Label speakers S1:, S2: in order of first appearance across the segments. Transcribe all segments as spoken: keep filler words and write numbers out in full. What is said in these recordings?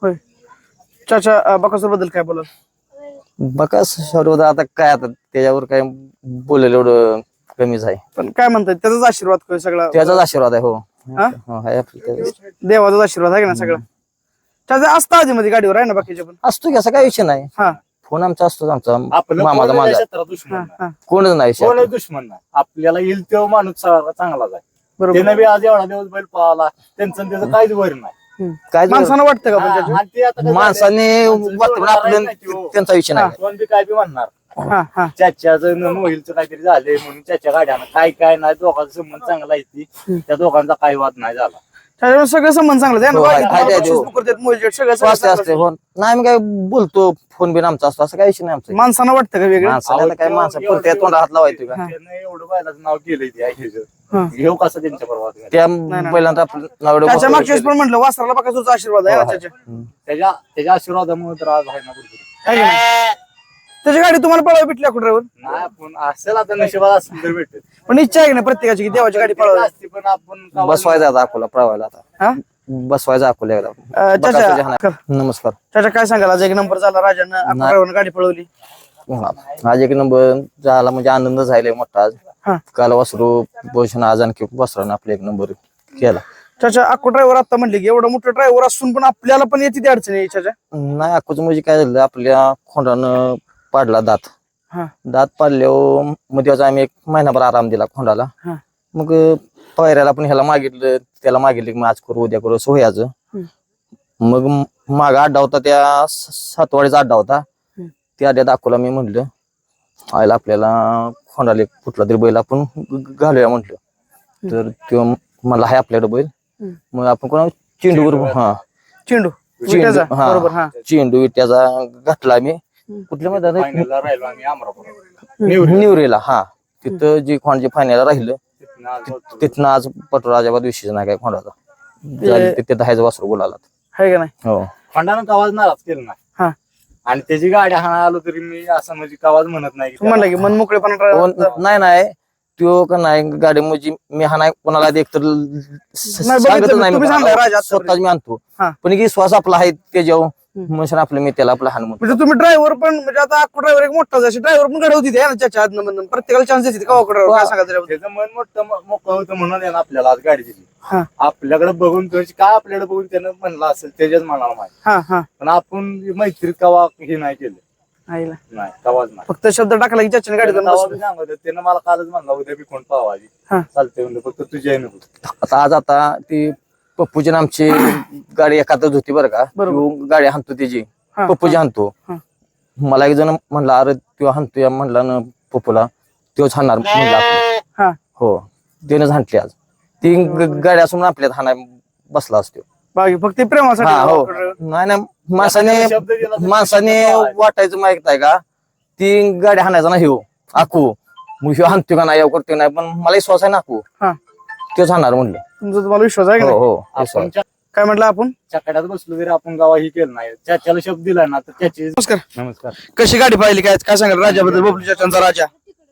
S1: होय. चाचा बकासूर बद्दल काय बोलाल?
S2: बकासूर आता काय आता त्याच्यावर काय बोलेल एवढं कमीच आहे.
S1: पण काय म्हणतात त्याचाच आशीर्वाद होय सगळा,
S2: त्याचाच आशीर्वाद आहे. हो
S1: हा?
S2: हो, आहे आपलं त्याचाच.
S1: देवाचाच आशीर्वाद आहे ना सगळा. चाचा असता आधी मध्ये गाडीवर आहे ना बाकीचे पण?
S2: असतो की, असा काही विषय नाही.
S1: हा
S2: फोन आमचा असतो, आमचा
S3: आपलं
S2: मामाचा
S3: कोण
S2: माझा
S3: क्षेत्रात दुश्मन
S1: हा
S3: नाही.
S1: हा
S2: कोणच नाही
S3: कोण
S2: शेतात.
S3: दुश्मन नाही. आपल्याला येईल तो माणूस चा- चांगलाच आहे.
S1: बरोबर.
S3: त्यानं बी आज एवढा दिवस बैल पळाला, त्यांचं आणि त्याचं काहीच वर नाही.
S1: हम्म.
S2: काय
S1: माणसानं वाटतं का पण
S3: हा,
S1: चाचा?
S3: आणि ते आता कसं झालंय,
S2: माणसाने
S3: माणसाचं
S2: वाटतं
S3: जेवढं
S2: आपलं
S3: करायचं नाही ते हो.
S2: त्यांचा विषय नाही.
S3: कोण बी काय बी म्हणणार,
S1: हा हा
S3: चाच्याचं मोहिलचं काहीतरी झालंय म्हणून चाच्या गाड्यानं काय काय नाही, दोघांचा संबंध चांगला आहे ती, त्या दोघांचा काही वाद नाही झाला.
S1: त्याच्यामुळे सगळं संबंध चांगलं आहे
S2: हो, आहे,
S1: ना.
S2: आहे, आहे,
S1: बक्षीस
S2: हो.
S1: करतात, मोलजेट सगळं
S2: असते असते
S1: सगळं
S2: हो. नाही मी काय बोलतो, फोन बिन आमचा असतो, असं काही विषय नाही आमचा.
S1: माणसानं वाटतं का वेगळं?
S2: माणसाला आता काय माणसं पुरत्या तोंडा हात लावायचं का?
S3: त्यानं एवढं बैलाचं नाव केलंय ते
S1: हा.
S3: घेऊ कसं त्यांच्या बरोबर
S2: त्या
S1: नाही.
S2: पहिल्यांदा आपलं नाव एवढं
S1: त्याच्या
S2: मोठं
S1: मागच्या वेळेस पण म्हटलं वासराला बकासूरचा आशीर्वाद आहे ना त्याच्या.
S3: त्याच्या त्याच्या आशीर्वादामुळे तर आज आहे ना कुठेतरी.
S1: आहे की नाही? त्याची गाडी तुम्हाला पळावी भेटली कुठे ड्रायव्हर?
S3: नाही आपण असेल आता नशिबात असेल तर भेटेल.
S1: पण इच्छा आहे की नाही प्रत्येकाची की देवाची गाडी पळवावी?
S3: असते पण आपण
S2: बसवायचा आता अकोला प्रवायला आता
S1: हा
S2: बसवायचा अकोला एकदा.
S1: अं,
S2: बकासूरच्या
S1: चाचा
S2: हाना-
S1: कर.
S2: नमस्कार.
S1: चाचा काय सांगाल? आज एक नंबर झाला राजानं, आपण
S2: नाही.
S1: ड्रायव्हरनं गाडी पळवली.
S2: हा. आज एक नंबर झाला म्हणजे आनंद झाला मोठा आज.
S1: हा
S2: काल वासरू भूषण आज आणखी वासरानं आपला एक नंबर केला.
S1: चाचा अक्को ड्रायव्हर आता म्हणले की एवढं मोठं ड्रायव्हर असून पण आपल्याला पण येते ती अडचण आहे चाचा.
S2: नाही अक्कोच म्हणजे काय झालं, आपल्या खोंडानं पाडला दात.
S1: हा
S2: दात पाडल्यावर मध्ये आम्ही एक महिनाभर आराम दिला खोंडाला.
S1: हा
S2: मग पायऱ्याला पण ह्याला मागितलं, त्याला मागितलं की मग आज करू उद्या करू सोयाचं. मग मागा अड्डा होता, त्या सातवाडीचा अड्डा होता. त्या अड्ड्यात दाखवला मी म्हटलं आयला आपल्याला खोंडाला एक कुठला तरी बैल आपण घालूया म्हटलं. तर तो मला आहे आपल्याकडे बैल, मग आपण कोणा चेंडूवर हा
S1: चेंडू
S2: चेंडू
S1: विट्याचा,
S2: हा
S1: बरोबर हा
S2: चेंडू विट्याचा घातला मी. कुठल्या मैदानात
S3: फायनलला राहिलो आम्ही अमरापूर.
S2: निवरेला. हा तिथं जे खोंडचे फायनल राहिलं
S3: तिथनं आज होतो.
S2: तिथनं आज पटोराजाबाद विषयच नाही काय खोंडाचा झाली, तिथे दहायचं वासरू बोलाला.
S1: आहे का नाही?
S2: हो
S3: खंडानं आवाज नाराज केला नाही.
S1: हा
S3: आणि त्याची गाडी हाणा आलो तरी मी असं म्हणजे आवाज म्हणत नाही की
S1: तू म्हणला की मन मोकळेपणा
S2: कोण-
S1: driver-
S2: नाही नाही त्यो का नाही गाडी म्हणजे मी हा नाही कोणाला देख तर सांगतच
S1: बघितलं,
S2: नाही
S1: तुम्ही सांगताय राजा
S2: मी.
S1: आतापर्यंत.
S2: स्वतःच मी आणतो.
S1: हा.
S2: पण की श्वास आपला आहे त्याच्यावर म्हणून आपलं मी त्याला आपला हान म्हणतो.
S1: म्हणजे तुम्ही ड्रायव्हर पण म्हणजे आता अक्को ड्रायव्हर एक मोठा असे ड्रायव्हर पण घडवती ते ना चाचा आदन मधनं प्रत्येकाला चान्स देते का ड्रायव्हर? काय सांगा त्याच्याबद्दल?
S3: त्याचं मन मोठं म- मोकळं होतं म्हणून त्यानं आपल्याला आज गाडी दिली.
S1: हा
S3: आपल्याकडे बघून त्याची काय आपल्याकडे बघून त्यानं म्हणलं असेल त्याच्याच मनाला माहिती.
S1: हा हा
S3: पण आपण मैत्रीत कवा हे नाही केलं,
S1: आईला.
S3: नाही कवाच नाही.
S1: फक्त शब्द टाकला की चाचाने गाडी
S3: त्यानं तवा बी सांगत होतं, त्यानं मला कालच म्हणला उद्या बी कोण पावाजी
S1: हा
S3: चालते म्हणलं, फक्त तुझी नको.
S2: आता आज आता ती पप्पूची आणि आमची गाडी एखादच होती बरं का.
S1: बरोबर.
S2: त्यो गाडी हाणतो त्याची
S1: हा,
S2: पप्पूची हाणतो.
S1: हा.
S2: मला एक जण म्हणला अरे त्यो हाणतो या म्हणला ना पप्पूला, त्योच हाणणार म्हणला आपलं.
S1: हा
S2: हो त्यानेच हाणली आज. ती ग- गाडी असून आपल्यात हाणाय बसला असतो.
S1: बाकी फक्त ते प्रेमासाठी
S2: हा हो
S1: अक्को driver.
S2: नाही ना माणसाने
S3: शब्द दिला तर
S2: माणसाने वाटायचं माहित आहे का, ती गाडी हाणायचा ना ह्यो आकू, मग ह्यो हाणतो का नाही ह्यो करतो नाही, पण मला विश्वास आहे ना आकू
S1: हा
S2: त्योच हाणणार म्हणलं.
S1: तुमचा तुम्हाला विश्वास आहे का
S2: हो
S1: नाही?
S2: हो
S3: आपण
S2: विश्वास.
S3: च्या-
S1: काय म्हटलं आपण?
S3: चकड्यात बसलो तरी आपण गावा ही केलं नाही. चाच्याला शब्द दिला ना तर त्याची
S1: नमस्कार.
S3: नमस्कार.
S1: कशी गाडी पाहिली काय काय सांगाल राजाबद्दल? बबलू चाचांचा राजा.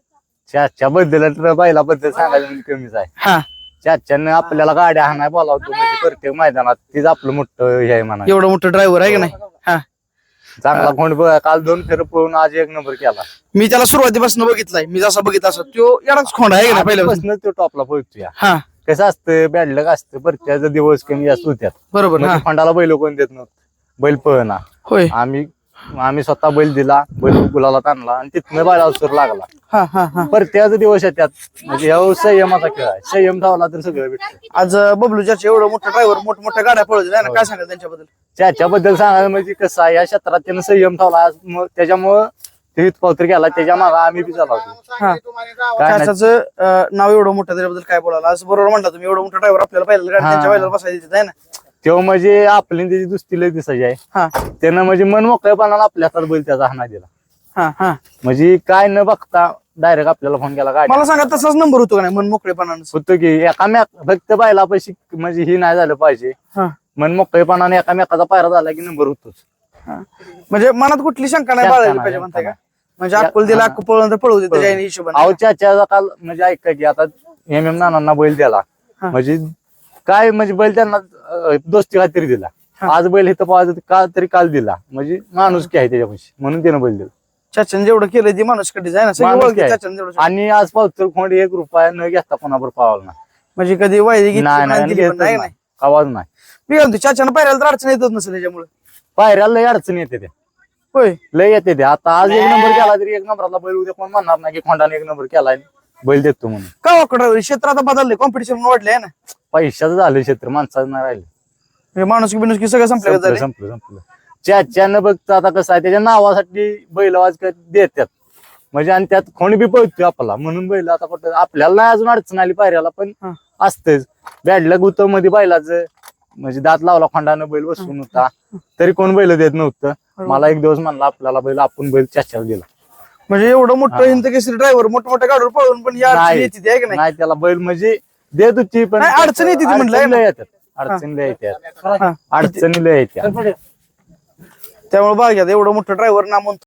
S3: चाच्या बद्दल तर बैलाबद्दल सांगायचं म्हणजे कमीच आहे.
S1: हा
S3: चाच्यानं आपल्याला गाड्या हाणाय बोलावतो म्हणजे प्रत्येक मैदानात तीच आपलं मोठं हे आहे म्हणा.
S1: एवढं मोठं ड्रायव्हर आहे का नाही? हा
S3: चांगला कोण बघ काल दोन फेर पळून आज एक नंबर केला.
S1: मी त्याला सुरुवातीपासून बघितलाय, मी जसा बघितला असं तो एवढाच खोंड आहे का नाही पहिल्यापासून?
S3: आजपासूनच तो टॉपला पोहोचतोय.
S1: हा
S3: कसं असतं बॅडलक असतं प्रत्येकाचा दिवस कमी जास्त होत्यात.
S1: बरोबर. हा
S3: म्हणजे फंडाला बैल कोण देत नव्हतं, बैल पळना.
S1: होय.
S3: आम्ही आम्ही स्वतः बैल दिला, बैल गुलाला आणला आणि तिथनं बैलावर सूर लागला.
S1: हा हा हा
S3: प्रत्येकाचा दिवस आहे त्यात. म्हणजे ह्या संयमाचा खेळ आहे, संयम धावला तर सगळं भेटतं.
S1: आज बबलू चाचा एवढं मोठं ड्रायव्हर मोठमोठ्या गाड्या पळवतील आहे ना, काय सांगाल त्यांच्याबद्दल?
S3: त्याच्याबद्दल सांगायला म्हणजे कसं आहे, या क्षेत्रात त्यानं संयम ठेवला. आज मग त्याच्यामुळं ते पावतर गेला, त्याच्या मागे आम्ही बी चालवतो.
S1: हा
S3: काय नाही.
S1: चाचाचं अं, नाव एवढं मोठं त्याच्याबद्दल काय बोलायला? आज बरोबर म्हणला तुम्ही, एवढं मोठं ड्रायव्हर आपल्याला पाहिलं गाडी
S3: हा.
S1: त्यांच्या बैलाला बसायला देतात आहे ना.
S3: तेव्हा म्हणजे आपली त्याची दुसती लय दिसायची आहे.
S1: हा
S3: त्यानं म्हणजे मन मोकळेपणाला आपल्या हातात बैल त्याचा हाना दिला.
S1: हा हा
S3: म्हणजे काय न बघता डायरेक्ट आपल्याला फोन केला. गाडी
S1: मला सांगा तसाच नंबर होतो का नाही मन मोकळेपणानं?
S3: होतो की एकामेक फक्त बायला पैसे म्हणजे ही नाही झालं पाहिजे.
S1: हा
S3: मन मोकळेपणाने एकामेकाचा पायरा झाला की नंबर होतोच.
S1: हा. म्हणजे मनात कुठली शंका नाही
S3: शंका
S1: बाळगली
S3: नाही,
S1: पाहिजे
S3: शंका
S1: म्हणताय का?
S3: नाही.
S1: म्हणजे अक्कल दिला,
S3: हा.
S1: अक्कल पळवून तर पळवू दे त्याच्या हिशोबाने.
S3: अहो चाच्याचा काल म्हणजे ऐका की आता एम एम नानांना बैल दिला
S1: हा.
S3: म्हणजे काय म्हणजे बैल त्यांना अं, दोस्ती खात्री दिला. आज बैल इथं पाहायचं का तरी काल दिला म्हणजे माणूस की आहे त्याच्यापाशी म्हणून त्यानं बैल दिला
S1: चाच्याने जेवढं केलं ती माणूस कधीच आहे ना सगळी
S3: माणुसकी
S1: ओळखी
S3: आहे.
S1: चाच्याने जेवढं
S3: आणि आज पावतर खोंड एक रुपया न घेता कोणावर पावला नाही
S1: म्हणजे कधी वायदे घेतली
S3: नाही
S1: पण
S3: नाही
S1: दिली पण नाही
S3: घेतच
S1: नाही
S3: नाही आवाज नाही
S1: मी म्हणतो चाच्यानं पायऱ्याला तर अडचण येतच नसेल त्याच्यामुळे
S3: पायऱ्याला लय अडचण येते ते
S1: होय
S3: लय येते ते आता आज एक नंबर केला तरी एक नंबरातला बैल उद्या कोण म्हणणार नाही की खोंडाने एक नंबर केलाय बैल देतो म्हणून
S1: का ड्रायव्हर क्षेत्र आता बदलले कॉम्पिटिशन वाढले आहे ना
S3: पैशाचं झालं क्षेत्र माणसाचं नाही राहिलं
S1: म्हणजे माणूस बिनुस सगळं संपलं
S3: संपलं
S1: झाले
S3: संपलं संपलं चाच्यानं बघतं आता कसं आहे त्याच्या नावासाठी बैल आवाज देतात म्हणजे आणि त्यात कोणी बी पळतोय आपला म्हणून बैल आता कुठं आपल्याला नाही अजून अडचण आली पायऱ्याला पण
S1: हा.
S3: असतेच बॅडला गुत मध्ये बैलाचं म्हणजे दात लावला खोंडानं बैल बसून होता तरी कोण बैल देत नव्हतं मला एक दिवस म्हणला आपल्याला बैल आपण बैल चाच्याला दिला
S1: म्हणजे एवढं मोठं
S3: हा.
S1: हिंद केसरी ड्रायव्हर मोठ्या मोठ्या गाडीवर पळून पण या अडचणी
S3: नाही.
S1: येते आहे की नाही
S3: नाही त्याला बैल म्हणजे देत होती पण
S1: नाही, अडचण येते ती म्हणलं, आहे ना?
S3: अडचणीला येतात अडचणीला येतात
S1: हा.
S3: अडचणीला येतात
S1: त्यामुळे बघा एवढं मोठं ड्रायव्हर ना म्हणतो